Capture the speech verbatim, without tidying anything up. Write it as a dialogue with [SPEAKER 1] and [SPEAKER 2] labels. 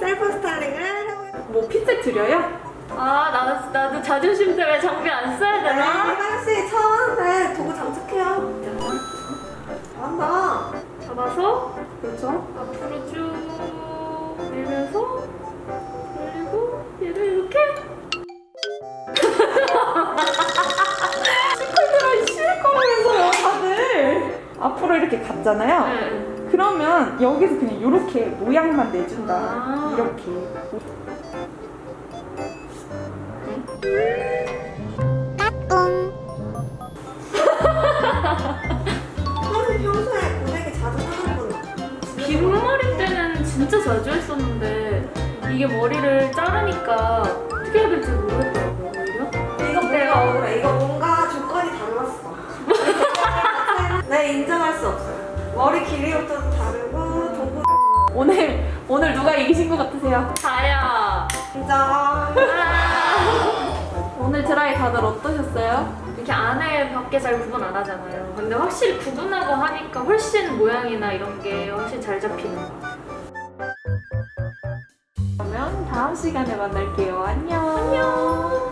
[SPEAKER 1] 셀프 스타일링을 해보겠습니다.
[SPEAKER 2] 뭐 핀셋 드려요?
[SPEAKER 3] 아, 나도, 나도 자존심 때문에 장비 안 써야
[SPEAKER 1] 네,
[SPEAKER 3] 되나?
[SPEAKER 1] 희망씨 처음 하는데 도구 장착해요. 잘한다.
[SPEAKER 3] 잡아서
[SPEAKER 2] 그렇죠.
[SPEAKER 3] 앞으로 쭉 밀면서 그리고 얘를 이렇게
[SPEAKER 2] 시끌들어 시끌거리면서요 다들. 앞으로 이렇게 갔잖아요.
[SPEAKER 3] 네.
[SPEAKER 2] 그러면 여기서 그냥 이렇게 모양만 내준다.
[SPEAKER 3] 아.
[SPEAKER 2] 이렇게.
[SPEAKER 1] 선생님 평소에 고데기 자주 하는 분
[SPEAKER 3] 긴 머리 때는 진짜 자주 했었는데 이게 머리를 자르니까 어떻게 해야 될지 모르겠더라고요, 오히려.
[SPEAKER 1] 이거 뭔가 억울해. 이거 뭔가 조건이 달랐어. 네, 인정할 수 없어요. 머리 길이부터 다르고 도구
[SPEAKER 2] 오늘 오늘 누가 이기신 것 같으세요?
[SPEAKER 3] 다야.
[SPEAKER 1] 인정.
[SPEAKER 3] 아.
[SPEAKER 2] 오늘 드라이 다들 어떠셨어요?
[SPEAKER 3] 이렇게 안에 밖에 잘 구분 안 하잖아요. 근데 확실히 구분하고 하니까 훨씬 모양이나 이런 게 훨씬 잘 잡히는 것 같아요.
[SPEAKER 2] 그러면 다음 시간에 만날게요. 안녕.
[SPEAKER 3] 안녕.